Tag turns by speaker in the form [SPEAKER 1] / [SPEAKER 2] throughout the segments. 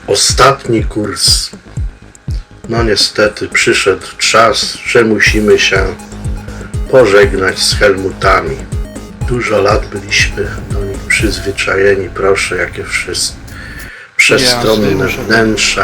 [SPEAKER 1] Ostatni kurs. No niestety przyszedł czas, że musimy się pożegnać z Helmutami. Dużo lat byliśmy do nich przyzwyczajeni, proszę, jakie przestronne wnętrza,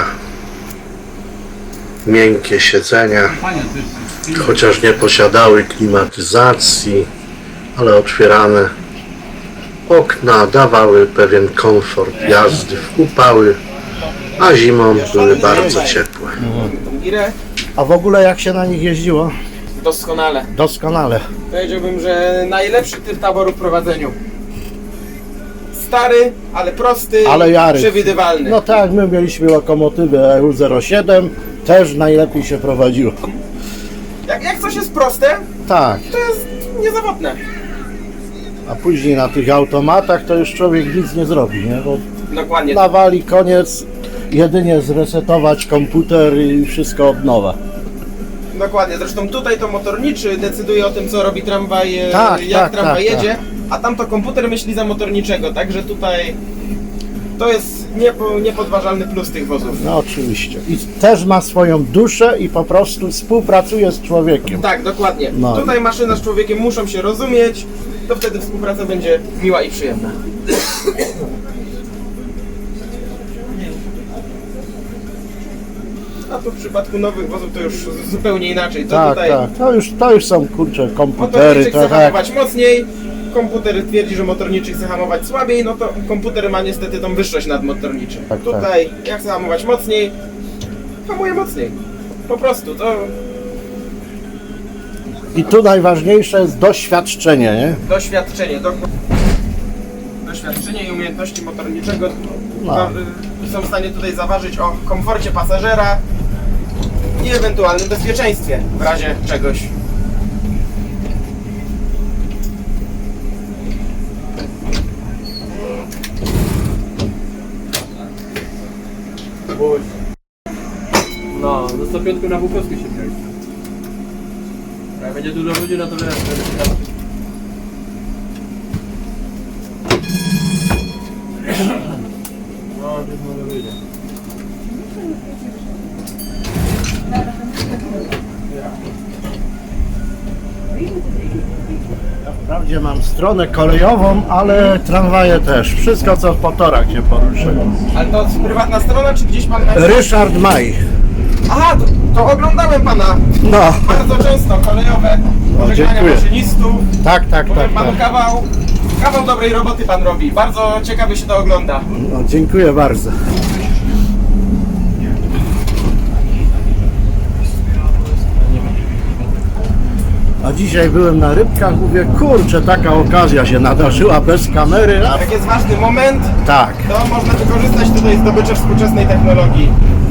[SPEAKER 1] miękkie siedzenia, chociaż nie posiadały klimatyzacji, ale otwierane okna dawały pewien komfort jazdy w upały, a zimą były bardzo ciepłe.
[SPEAKER 2] A w ogóle jak się na nich jeździło?
[SPEAKER 3] Doskonale.
[SPEAKER 2] Doskonale.
[SPEAKER 3] Powiedziałbym, że najlepszy typ taboru w prowadzeniu. Stary, ale prosty,
[SPEAKER 2] Ale jary.
[SPEAKER 3] przewidywalny.
[SPEAKER 2] No tak, my mieliśmy lokomotywę EU07, też najlepiej się prowadziło.
[SPEAKER 3] Jak coś jest proste,
[SPEAKER 2] Tak,
[SPEAKER 3] to jest niezawodne.
[SPEAKER 2] a później na tych automatach to już człowiek nic nie zrobi, nie? Bo
[SPEAKER 3] Dokładnie.
[SPEAKER 2] nawali, koniec, jedynie zresetować komputer i wszystko od nowa.
[SPEAKER 3] Dokładnie. Zresztą tutaj to motorniczy decyduje o tym, co robi tramwaj,
[SPEAKER 2] Tak,
[SPEAKER 3] jak
[SPEAKER 2] tak,
[SPEAKER 3] tramwaj
[SPEAKER 2] tak,
[SPEAKER 3] jedzie, a tam to komputer myśli za motorniczego, także tutaj to jest niepodważalny plus tych wozów.
[SPEAKER 2] No oczywiście. I też ma swoją duszę i po prostu współpracuje z człowiekiem.
[SPEAKER 3] Tak, dokładnie.
[SPEAKER 2] No.
[SPEAKER 3] Tutaj maszyna z człowiekiem muszą się rozumieć, to wtedy współpraca będzie miła i przyjemna. A tu w przypadku nowych wozów to już zupełnie inaczej. To
[SPEAKER 2] Tak,
[SPEAKER 3] tutaj
[SPEAKER 2] tak. To już są kurcze komputery,
[SPEAKER 3] motorniczy
[SPEAKER 2] to
[SPEAKER 3] chce
[SPEAKER 2] tak.
[SPEAKER 3] hamować mocniej, komputer twierdzi, że motorniczy chce hamować słabiej, no to komputer ma niestety tą wyższość nad motorniczym.
[SPEAKER 2] Tak,
[SPEAKER 3] Tutaj ja chcę hamować mocniej, hamuję mocniej. Po prostu, to
[SPEAKER 2] I tu najważniejsze jest doświadczenie, nie?
[SPEAKER 3] doświadczenie i umiejętności motorniczego
[SPEAKER 2] No.
[SPEAKER 3] są w stanie tutaj zaważyć o komforcie pasażera i ewentualnym bezpieczeństwie w razie czegoś.
[SPEAKER 4] No, do 105 na Bukowskiej się wziąć. Jak będzie dużo ludzi, no to wiesz, no, gdzieś może wyjdzie.
[SPEAKER 2] Wprawdzie mam stronę kolejową, ale tramwaje też. Wszystko co po torach się porusza.
[SPEAKER 3] Ale to prywatna strona, czy gdzieś pan...
[SPEAKER 2] Ryszard Maj.
[SPEAKER 3] Aha, to oglądałem pana
[SPEAKER 2] No,
[SPEAKER 3] bardzo często, kolejowe pożegnania
[SPEAKER 2] dziękuję.
[SPEAKER 3] maszynistów.
[SPEAKER 2] tak, tak,
[SPEAKER 3] Powiem
[SPEAKER 2] tak,
[SPEAKER 3] panu,
[SPEAKER 2] tak.
[SPEAKER 3] kawał dobrej roboty pan robi. Bardzo ciekawie się to ogląda.
[SPEAKER 2] No, dziękuję bardzo. A dzisiaj byłem na rybkach, mówię, kurczę, taka okazja się nadarzyła bez kamery. A
[SPEAKER 3] Jak jest ważny moment,
[SPEAKER 2] tak,
[SPEAKER 3] to można wykorzystać tutaj zdobycze współczesnej technologii.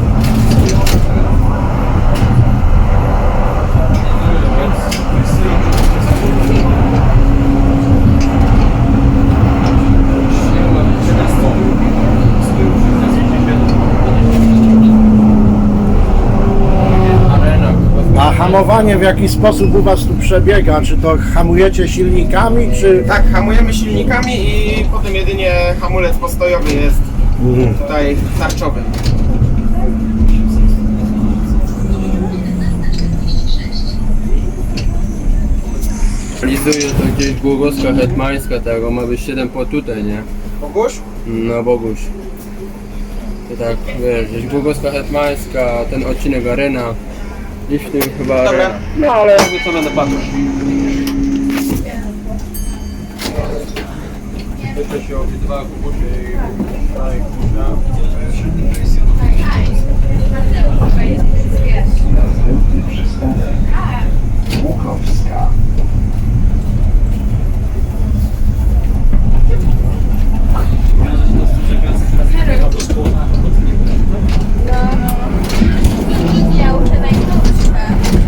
[SPEAKER 2] a hamowanie w jaki sposób u Was tu przebiega? Czy to hamujecie silnikami, czy...
[SPEAKER 3] Tak, hamujemy silnikami i potem jedynie hamulec postojowy jest tutaj tarczowy.
[SPEAKER 4] Realizuje to gdzieś Głogowska Hetmańska, tego ma być 7 po tutaj, nie?
[SPEAKER 3] Boguś?
[SPEAKER 4] No Boguś. To tak, wiesz, gdzieś Głogowska Hetmańska, ten odcinek Arena. Gdzieś w tym chyba
[SPEAKER 3] Dobra.
[SPEAKER 4] Arena. No ale jakby co będę patrzył. Jeszcze się obydwa kubusie i kurza.
[SPEAKER 5] Ja uczę najkrótsze.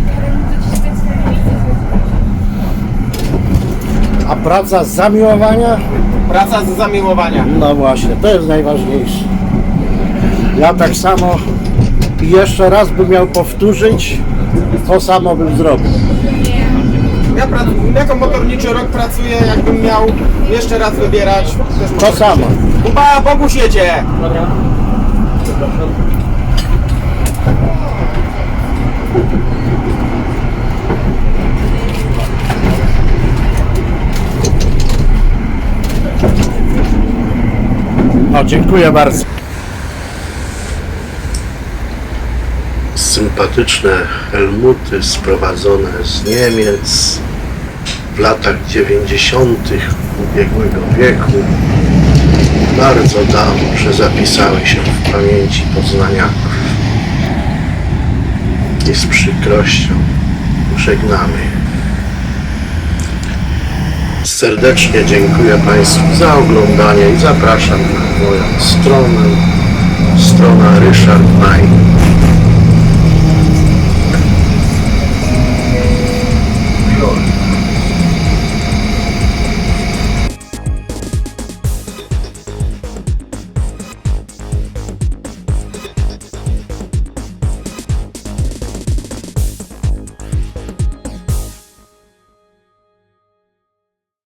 [SPEAKER 2] A praca z zamiłowania?
[SPEAKER 3] Praca z zamiłowania.
[SPEAKER 2] No właśnie, to jest najważniejsze. Ja tak samo i jeszcze raz bym miał powtórzyć, to samo bym zrobił.
[SPEAKER 3] Ja jako motorniczy rok pracuję, jakbym miał jeszcze raz wybierać. Też
[SPEAKER 2] To samo.
[SPEAKER 3] Kuba, Boguś jedzie!
[SPEAKER 2] O, dziękuję bardzo.
[SPEAKER 1] Sympatyczne helmuty sprowadzone z Niemiec w latach 90. ubiegłego wieku. Bardzo dobrze zapisały się w pamięci poznaniaków. I z przykrością żegnamy. Serdecznie dziękuję Państwu za oglądanie i zapraszam na moją stronę, strona Ryszard Maj.